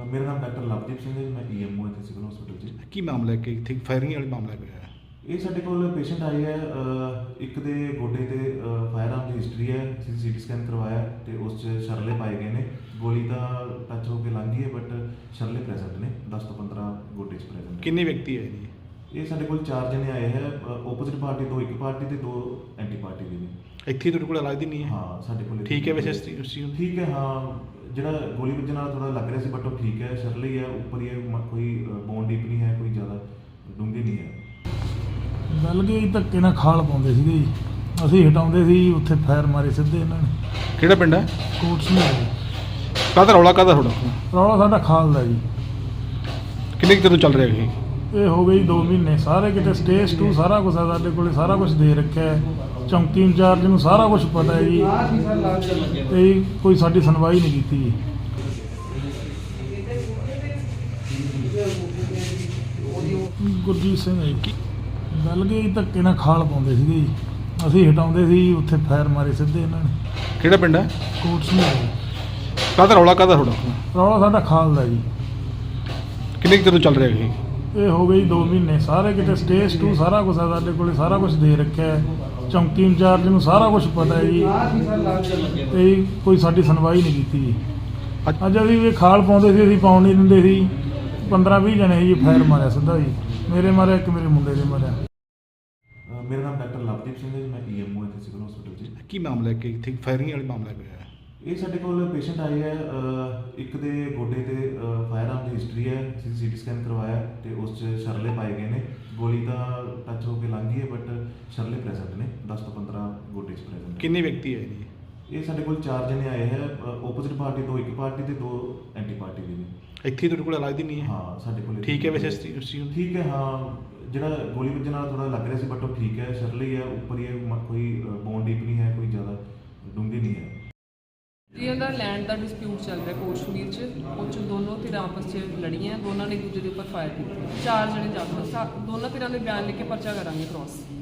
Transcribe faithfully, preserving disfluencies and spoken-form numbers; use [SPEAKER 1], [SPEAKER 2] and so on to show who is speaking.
[SPEAKER 1] मेरा नाम डॉक्टर लवदीप सिंह है। मैं ई एम ओ ਇੱਥੇ ਸਿਵਲ ਹਸਪੀਟਲ 'ਚ।
[SPEAKER 2] ਕੀ ਮਾਮਲਾ ਹੈ ਕਿ ਇੱਥੇ ਫਾਇਰਿੰਗ ਵਾਲੀ ਮਾਮਲਾ ਕੋਈ ਹੈ?
[SPEAKER 1] ਇਹ ਸਾਡੇ ਕੋਲ ਪੇਸ਼ੈਂਟ ਆਏ ਹੈ, ਅਹ, ਇੱਕ ਦੇ ਗੋਡੇ ਤੇ ਫਾਇਰ ਆਰਮ ਦੀ ਹਿਸਟਰੀ ਹੈ। ਅਸੀਂ ਸੀ ਟੀ ਸਕੈਨ ਕਰਵਾਇਆ ਤੇ ਉਸ 'ਚ ਸ਼ਰਲੇ ਪਾਏ ਗਏ ਨੇ। ਗੋਲੀ ਤਾਂ ਟੱਚ ਹੋ ਕੇ ਲੰਘ ਗਈ ਹੈ ਬਟ ਸ਼ਰਲੇ ਪ੍ਰੈਜ਼ੈਂਟ ਨੇ, ਦਸ ਤੋਂ ਪੰਦਰਾਂ ਗੋਡੇ 'ਚ ਪ੍ਰੈਜ਼ੈਂਟ।
[SPEAKER 2] ਕਿੰਨੇ ਵਿਅਕਤੀ ਆਏ ਨੇ?
[SPEAKER 1] ਇਹ ਸਾਡੇ ਕੋਲ ਚਾਰ ਜਣੇ ਆਏ ਹੈ, ਓਪੋਜ਼ਿਟ ਪਾਰਟੀ ਤੋਂ ਇੱਕ ਪਾਰਟੀ ਤੇ ਦੋ ਐਂਟੀ ਪਾਰਟੀ ਦੇ ਵੀ।
[SPEAKER 2] ਇੱਥੇ ਤੁਹਾਡੇ ਕੋਲ ਇਲਾਜ ਦੀ ਨਹੀਂ ਹੈ?
[SPEAKER 1] ਹਾਂ ਸਾਡੇ ਕੋਲ
[SPEAKER 2] ਠੀਕ ਹੈ ਵੈਸੇ ਇਸ ਚੀਜ਼- ਉਸ ਚੀਜ਼ ਨੂੰ?
[SPEAKER 1] ਠੀਕ ਹੈ। ਹਾਂ ਜਿਹੜਾ ਗੋਲੀ ਵੱਜਣ ਨਾਲ ਥੋੜਾ ਲੱਗ ਰਿਹਾ ਸੀ ਬਟ ਉਹ ਠੀਕ ਹੈ, ਸ਼ਰਲੇ ਹੀ ਹੈ, ਉੱਪਰ ਹੀ ਹੈ, ਮ- ਕੋਈ ਬੋਨ ਡੀਪ ਨਹੀਂ ਹੈ, ਕੋਈ ਜ਼ਿਆਦਾ ਡੂੰਘੀ ਨਹੀਂ ਹੈ।
[SPEAKER 3] ਗੱਲ ਕੀ ਧੱਕੇ ਨਾਲ ਖਾਲ ਪਾਉਂਦੇ ਸੀਗੇ ਜੀ, ਅਸੀਂ ਹਟਾਉਂਦੇ ਸੀ, ਉੱਥੇ ਫਾਇਰ ਮਾਰੇ ਸਿੱਧੇ ਇਹਨਾਂ ਨੇ।
[SPEAKER 2] ਕਿਹੜਾ ਪਿੰਡ ਹੈ?
[SPEAKER 3] ਕੋਟਸ ਨੇ
[SPEAKER 2] ਕਾਹਦਾ ਰੌਲਾ ਕਾਹਦਾ ਤੁਹਾਡਾ?
[SPEAKER 3] ਰੌਲਾ ਸਾਡਾ ਖਾਲ ਦਾ ਜੀ।
[SPEAKER 2] ਕਿੰਨੇ ਕੁ ਚਿਰ ਤੋਂ ਚੱਲ ਰਿਹਾ ਇਹ?
[SPEAKER 3] ਇਹ ਹੋ ਗਈ ਦੋ ਮਹੀਨੇ, ਸਾਰੇ ਕਿਤੇ ਸਟੇਜ ਟੂ ਸਾਰਾ ਕੁਝ ਆ ਸਾਡੇ ਕੋਲੇ, ਸਾਰਾ ਕੁਝ ਦੇ ਰੱਖਿਆ ਹੈ। ਚੌਂਕੀ ਇੰਚਾਰਜ ਨੂੰ ਸਾਰਾ ਕੁਝ ਪਤਾ ਹੈ ਜੀ, ਤੇ ਕੋਈ ਸਾਡੀ ਸੁਣਵਾਈ ਨਹੀਂ ਕੀਤੀ ਜੀ। ਗੁਰਜੀਤ ਸਿੰਘ ਹੈ ਜੀ। ਗੱਲ ਕੀ ਧੱਕੇ ਨਾਲ ਖਾਲ ਪਾਉਂਦੇ ਸੀਗੇ ਜੀ, ਅਸੀਂ ਹਟਾਉਂਦੇ ਸੀ, ਉੱਥੇ ਫਾਇਰ ਮਾਰੇ ਸਿੱਧੇ ਇਹਨਾਂ ਨੇ।
[SPEAKER 2] ਕਿਹੜਾ ਪਿੰਡ ਹੈ?
[SPEAKER 3] ਕੋਟਸ ਨੇ
[SPEAKER 2] ਕਾਹਦਾ ਰੌਲਾ ਕਾਹਦਾ ਤੁਹਾਡਾ?
[SPEAKER 3] ਰੌਲਾ ਸਾਡਾ ਖਾਲ ਦਾ ਜੀ।
[SPEAKER 2] ਕਿੰਨੇ ਕੁ ਚਿਰ ਤੋਂ ਚੱਲ ਰਿਹਾ ਇਹ?
[SPEAKER 3] ਇਹ ਹੋ ਗਈ ਦੋ ਮਹੀਨੇ, ਸਾਰੇ ਕਿਤੇ ਸਟੇਜ ਟੂ ਸਾਰਾ ਕੁਝ ਆ ਸਾਡੇ ਕੋਲੇ, ਸਾਰਾ ਕੁਝ ਦੇ ਰੱਖਿਆ ਹੈ। ਚੌਂਕੀ ਇੰਚਾਰਜ ਨੂੰ ਸਾਰਾ ਕੁਝ ਪਤਾ ਹੈ ਜੀ, ਤੇ ਕੋਈ ਸਾਡੀ ਸੁਣਵਾਈ ਨਹੀਂ ਕੀਤੀ ਜੀ। ਅੱਜ ਅਸੀਂ ਵੀ ਖਾਲ ਪਾਉਂਦੇ ਸੀ, ਅਸੀਂ ਪਾਉਣ ਨਹੀਂ ਦਿੰਦੇ ਸੀ। ਪੰਦਰਾਂ ਵੀਹ ਜਣੇ ਜੀ ਫਾਇਰ ਮਾਰਿਆ ਸਿੱਧਾ ਜੀ, ਮੇਰੇ ਮਾਰਿਆ, ਇੱਕ ਮੇਰੇ ਮੁੰਡੇ ਦੇ ਮਾਰਿਆ।
[SPEAKER 1] ਅਹ, ਮੇਰਾ ਨਾਮ ਡਾਕਟਰ ਲਵਦੀਪ ਸਿੰਘ ਹੈ। ਮੈਂ ਈ ਐਮ ਓ ਇੱਥੇ ਸਿਵਲ ਹਸਪੀਟਲ 'ਚ।
[SPEAKER 2] ਕੀ ਮਾਮਲਾ ਹੈ ਕਿ ਇੱਥੇ ਫਾਇਰਿੰਗ ਵਾਲੀ ਮਾਮਲਾ ਕੋਈ ਹੈ?
[SPEAKER 1] ਇਹ ਸਾਡੇ ਕੋਲ ਪੇਸ਼ੈਂਟ ਆਏ ਹੈ, ਅਹ, ਇੱਕ ਦੇ ਗੋਡੇ ਤੇ ਫਾਇਰ ਆਰਮ ਦੀ ਹਿਸਟਰੀ ਹੈ। ਅਸੀਂ ਸੀ ਟੀ ਸਕੈਨ ਕਰਵਾਇਆ ਤੇ ਉਸ 'ਚ ਸ਼ਰਲੇ ਪਾਏ ਗਏ ਨੇ। ਗੋਲੀ ਤਾਂ ਟੱਚ ਹੋ ਕੇ ਲੰਘ ਗਈ ਹੈ ਬਟ ਸ਼ਰਲੇ ਪ੍ਰੈਜ਼ੈਂਟ ਨੇ, ਦਸ ਤੋਂ ਪੰਦਰਾਂ ਗੋਡੇ 'ਚ ਪ੍ਰੈਜ਼ੈਂਟ।
[SPEAKER 2] ਕਿੰਨੇ ਵਿਅਕਤੀ ਆਏ ਨੇ?
[SPEAKER 1] ਇਹ ਸਾਡੇ ਕੋਲ ਚਾਰ ਜਣੇ ਆਏ ਹੈ, ਓਪੋਜ਼ਿਟ ਪਾਰਟੀ ਤੋਂ ਇੱਕ ਪਾਰਟੀ ਤੇ ਦੋ ਐਂਟੀ ਪਾਰਟੀ ਦੇ ਵੀ।
[SPEAKER 2] ਇੱਥੇ ਤੁਹਾਡੇ ਕੋਲ ਇਲਾਜ ਦੀ ਨਹੀਂ ਹੈ?
[SPEAKER 1] ਹਾਂ ਸਾਡੇ ਕੋਲ
[SPEAKER 2] ਠੀਕ ਹੈ ਵੈਸੇ ਇਸ ਚੀਜ਼- ਉਸ ਚੀਜ਼ ਨੂੰ?
[SPEAKER 1] ਠੀਕ ਹੈ। ਹਾਂ ਜਿਹੜਾ ਗੋਲੀ ਵੱਜਣ ਨਾਲ ਥੋੜਾ ਲੱਗ ਰਿਹਾ ਸੀ ਬਟ ਉਹ ਠੀਕ ਹੈ, ਸ਼ਰਲੇ ਹੀ ਹੈ, ਉੱਪਰ ਹੀ ਹੈ, ਮ- ਕੋਈ ਬੋਨ ਡੀਪ ਨਹੀਂ ਹੈ, ਕੋਈ ਜ਼ਿਆਦਾ ਡੂੰਘੀ ਨਹੀਂ ਹੈ।
[SPEAKER 4] ਜੀ ਉਹਦਾ ਲੈਂਡ ਦਾ ਡਿਸਪਿਊਟ ਚੱਲ ਰਿਹਾ ਕਸ਼ਮੀਰ 'ਚ। ਉਹ 'ਚ ਦੋਨੋਂ ਧਿਰਾਂ ਆਪਸ 'ਚ ਲੜੀਆਂ, ਦੋਨਾਂ ਨੇ ਇੱਕ ਦੂਜੇ ਦੇ ਉੱਪਰ ਫਾਇਰ ਕੀਤੇ। ਚਾਰ ਜਣੇ ਜ਼ਖਮੀ, ਸਾ- ਦੋਨਾਂ ਧਿਰਾਂ ਦੇ ਬਿਆਨ ਲਿਖ ਕੇ ਪਰਚਾ ਕਰਾਂਗੇ ਕ੍ਰੋਸ।